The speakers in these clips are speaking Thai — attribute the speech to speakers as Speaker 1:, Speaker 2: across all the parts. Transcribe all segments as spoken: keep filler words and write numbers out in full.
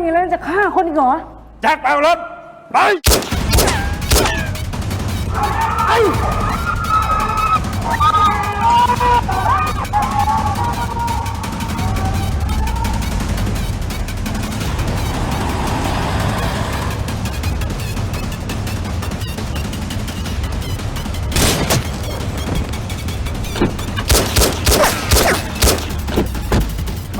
Speaker 1: อย่างนี้แล้วจะฆ่าคนอีกเหรอ
Speaker 2: แจ็คไปรถไปไอ้ไป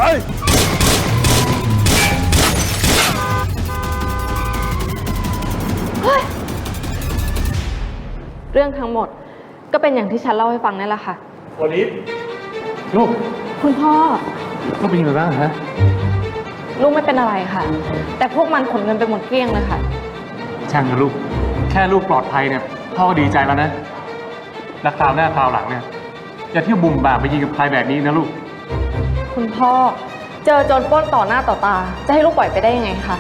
Speaker 3: เรื่องทั้งหมดก็เป็นอย่างที่ฉันเล่าให้ฟังนั่นแหละค่ะ
Speaker 2: โอลิฟลูก
Speaker 3: คุณพ่อ
Speaker 2: ลูกเป็นยังไงบ้างฮะ
Speaker 3: ลูกไม่เป็นอะไรค่ะแต่พวกมันขนเงินไปหมดเกลี้ยงเลยค่ะ
Speaker 2: ช่างนะลูกแค่ลูกปลอดภัยเนี่ยพ่อก็ดีใจแล้วนะและคราวหน้าคราวหลังเนี่ยอย่าเที่ยวบุ่มบ่ามไปยิงกับใครแบบนี้นะลูก
Speaker 3: คุณพ่อเจอโจรปล้นต่อหน้าต่อตาจะให้ลูกปล่อยไปได้ยังไงคะ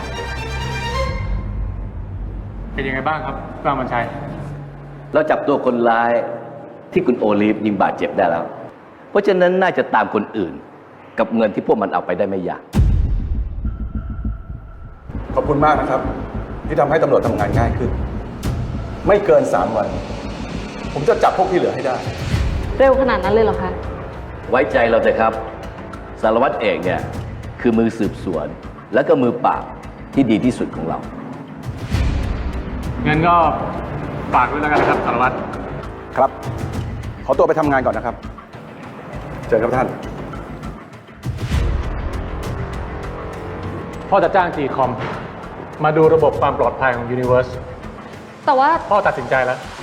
Speaker 2: เป็นยังไงบ้างครับกล้ามันชัย
Speaker 4: เราจับตัวคนร้ายที่คุณโอลิฟยิงบาดเจ็บได้แล้ว เพราะฉะนั้นน่าจะตามคนอื่นกับเงินที่พวกมันเอาไปได้ไม่ยาก
Speaker 5: ขอบคุณมากนะครับที่ทำให้ตำรวจทำงานง่ายขึ้นไม่เกินสามวัน ผมจะจับพวกที่เหลือให้ได้
Speaker 3: เร็วขนาดนั้นเลยเหรอคะ
Speaker 4: ไว้ใจเราเถอะครับสารวัตรเอกเนี่ยคือมือสืบสวนและก็มือปราบที่ดีที่สุดของเรา
Speaker 2: งั้นก็ฝากด้วยแล้วกันนะครับสารวัตร
Speaker 5: ครับขอตัวไปทำงานก่อนนะครับเจอครับท่าน
Speaker 2: พ่อจะจ้างจีคอมมาดูระบบความปลอดภัยของ Universe
Speaker 3: แต่ว่า
Speaker 2: พ่อตัดสินใจแล้ว